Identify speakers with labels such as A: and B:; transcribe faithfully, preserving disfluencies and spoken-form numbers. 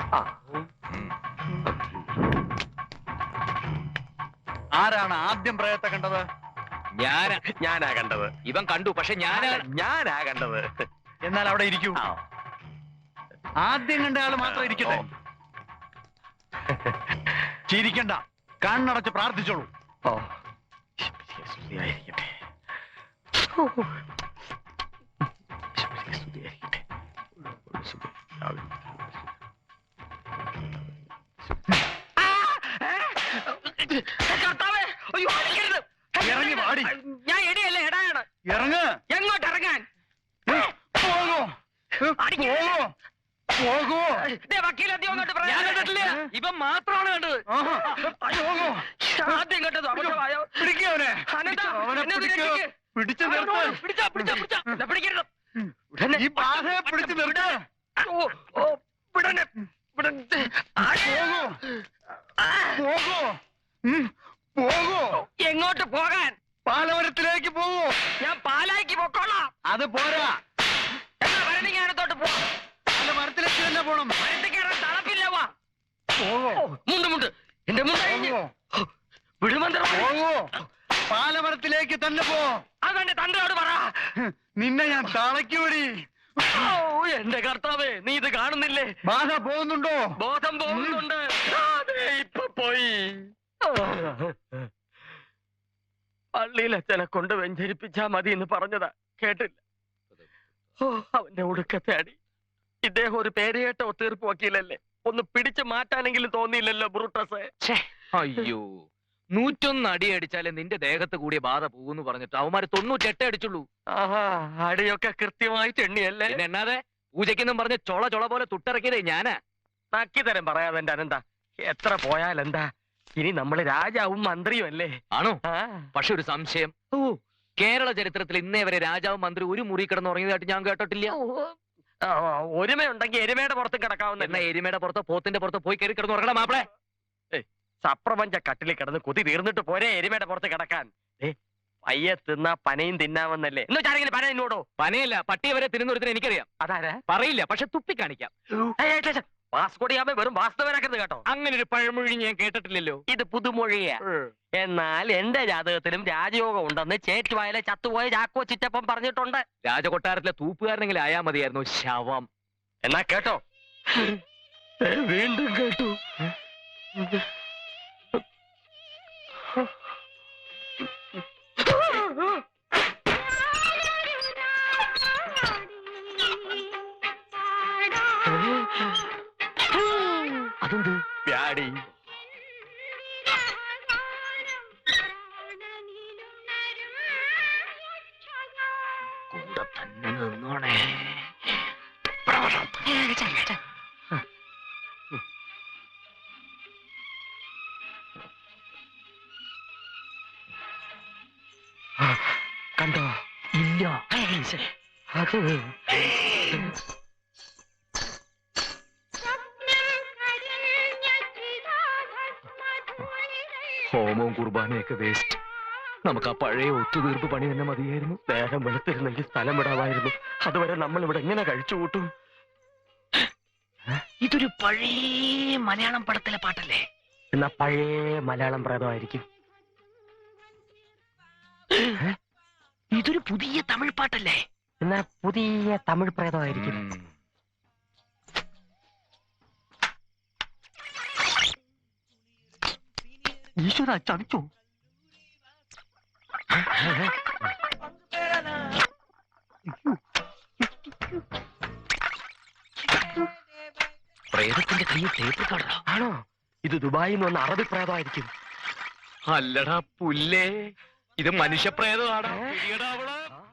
A: ആരാണ് ആദ്യം പ്രേതത്തെ കണ്ടത്?
B: ഞാൻ
C: ഞാനാ കണ്ടത്.
B: ഇവൻ കണ്ടു, പക്ഷെ ഞാനാ
C: ഞാനാ കണ്ടത്.
A: എന്നാൽ അവിടെ ഇരിക്കൂ. ആദ്യം കണ്ട ആള് മാത്രം ഇരിക്കട്ടെ. ചിരിക്കണ്ട, കണ്ണടച്ച് പ്രാർത്ഥിച്ചോളൂ.
C: ഓ സ്തുതിയായിരിക്കട്ടെ.
A: ഇറങ്ങി വാടി.
B: ഞാൻ എടിയല്ല, എടായാണ്.
A: ഇറങ്ങ്.
B: എങ്ങോട്ട് ഇറങ്ങാൻ?
A: പോകൂ പോകൂ.
B: ഞാൻ കണ്ടിട്ടില്ല, ഇവൻ മാത്രമാണ് കണ്ടത്. ആദ്യം കണ്ടത് അബദ്ധമായോ?
A: പിടിക്കവനെ.
B: അനന്താ,
A: അവനെ
B: എന്നെ
A: പിടിക്കൂ.
B: രക്ഷിക്ക്.
A: പിടിച്ചു നിർത്ത്.
B: പിടിച്ചാ, പിടിച്ചാ, പിടിച്ചാ. ദാ പിടിക്കരുത്.
A: ഈ ബാധയെ പിടിച്ചു നിർത്ത്.
B: ഓ, ഓ, വിടണേ, വിടണേ.
A: പോകൂ പോകൂ. ഉം, പോകൂ.
B: എങ്ങോട്ട് പോകാൻ?
A: പാലവരത്തിലേക്ക് പോകൂ.
B: ഞാൻ പാലായിക്ക് പൊക്കോളാം.
A: അത് പോരാ.
B: എന്നാ ഭരണിങ്ങാനത്തോട്ട് പോ.
A: പാലമരത്തിലേക്ക് തന്നെ പോണം.
B: ഭരണിക്ക് കയറാൻ തളപ്പില്ല. വാ.
A: പോകൂ
B: മുണ്ട് മുണ്ട് എന്റെ മുണ്ട് കഴിഞ്ഞ്.
A: പോകൂ
B: വിടുമന്ത്രം.
A: പോകൂ. പാലമരത്തിലേക്ക് തന്നെ പോ.
B: അതെന്റെ തന്തയോട് പറ.
A: നിന്നെ ഞാൻ തളയ്ക്കൂടി.
B: ഓ, എന്റെ കർത്താവേ, നീ ഇത് കാണുന്നില്ലേ?
A: ബാധ പോകുന്നുണ്ടോ?
B: ബോധം പോകുന്നുണ്ട്. അതെ, ഇപ്പൊ പോയി. പള്ളിയിൽ അച്ഛനെ കൊണ്ട് വെഞ്ചരിപ്പിച്ചാ മതി എന്ന് പറഞ്ഞതാ, കേട്ടില്ല. ഓ, അവന്റെ ഒടുക്കത്തെ അടി. ഇദ്ദേഹം ഒരു പേരുകേട്ട ഒത്തീർപ്പ് വക്കീലല്ലേ, ഒന്ന് പിടിച്ചു മാറ്റാനെങ്കിലും തോന്നിയില്ലല്ലോ ബ്രൂട്ടസ്.
D: അയ്യോ, നൂറ്റൊന്ന് അടി അടിച്ചാലേ നിന്റെ ദേഹത്ത് കൂടിയ ബാധ പോകുന്നു പറഞ്ഞിട്ട് അവന്മാര് തൊണ്ണൂറ്റെട്ട് അടിച്ചുള്ളൂ.
B: ആഹാ, അടിയൊക്കെ കൃത്യമായിട്ട് എണ്ണിയല്ലേ?
D: പിന്നെ എന്നാതെ പൂജയ്ക്കെന്നും പറഞ്ഞ് ചൊള ചൊള പോലെ തുട്ടിറക്കിയതേ ഞാനാ.
B: നക്കി തരം പറയാതെ എന്റെ അനന്ത, എത്ര പോയാലെന്താ, ഇനി നമ്മള് രാജാവും മന്ത്രിയും അല്ലേ?
D: ആണോ?
B: ആ.
D: പക്ഷെ ഒരു സംശയം. ഓ, കേരള ചരിത്രത്തിൽ ഇന്നേ വരെ രാജാവും മന്ത്രി ഒരു മുറി കിടന്ന് ഉറങ്ങിയതായിട്ട് ഞാൻ കേട്ടിട്ടില്ല.
B: ആ, ഒരുമയുണ്ടെങ്കിൽ എരുമയുടെ പുറത്ത് കിടക്കാവുന്ന.
D: എന്നാ എരുമയുടെ പുറത്തോ പോത്തിന്റെ പുറത്തോ പോയി കയറി കിടന്ന് ഉറങ്ങണം മാപ്പിളെ.
B: സപ്രപഞ്ച കട്ടിലിൽ കിടന്ന് കൊതി തീർന്നിട്ട് പോരെ എരുമയുടെ പുറത്ത് കിടക്കാൻ. ഏ, പയ്യെ തിന്നാ പനയും തിന്നാമെന്നല്ലേ? എന്ന് വെച്ചാരെങ്കിലും പന എന്നോടോ?
D: പനയല്ല, പട്ടിയെ വരെ തിരുന്നൊരുത്തിന് എനിക്കറിയാം.
B: അതാരാ?
D: പറയില്ല, പക്ഷെ തുപ്പിക്കാണിക്കാം.
B: വാസ്കോടിയാമ വെറും വാസ്തവനാക്കരുത് കേട്ടോ.
D: അങ്ങനെ ഒരു പഴമൊഴി ഞാൻ കേട്ടിട്ടില്ലല്ലോ.
B: ഇത് പുതുമൊഴിയാ. എന്നാൽ എന്റെ ജാതകത്തിലും രാജയോഗം ഉണ്ടെന്ന് ചേറ്റുവായിലെ ചത്തുപോയ ചാക്കോ ചിറ്റപ്പം പറഞ്ഞിട്ടുണ്ട്.
D: രാജകൊട്ടാരത്തിലെ തൂപ്പുകാരനെങ്കിലും ആയാ മതിയായിരുന്നു. ശവം.
B: എന്നാ കേട്ടോ, വീണ്ടും കേട്ടു. അതെന്ത് വ്യാടി?
D: കൂടെ തന്നെ നിന്നോണേ.
B: കണ്ടോ?
D: ഇല്ല.
B: അത്
D: ഹോമവും കുർബാനയൊക്കെ വേസ്റ്റ്. നമുക്ക് ആ പഴയ ഒത്തുതീർപ്പ് പണി തന്നെ മതിയായിരുന്നു.
B: നേരം വെളുത്തിരുന്നെങ്കിൽ സ്ഥലം വിടാമായിരുന്നു. അതുവരെ നമ്മൾ ഇവിടെ എങ്ങനെ കഴിച്ചു കൂട്ടും?
D: ഇതൊരു പഴയ മലയാളം പടത്തിലെ പാട്ടല്ലേ?
B: എന്നാ പഴയ മലയാളം പ്രേതമായിരിക്കും.
D: ഇതൊരു പുതിയ തമിഴ് പാട്ടല്ലേ?
B: എന്നാ പുതിയ തമിഴ് പ്രേതമായിരിക്കും.
A: ഈശ്വര, ചതിച്ചോ?
D: പ്രേതത്തിന്റെ കയ്യിൽ ടേപ്പ് കാണാ.
B: ആണോ? ഇത് ദുബായിൽ നിന്ന് വന്ന അറബി പ്രേതമായിരിക്കും.
D: അല്ലടാ പുല്ലേ, ഇത് മനുഷ്യപ്രേതമാടാ.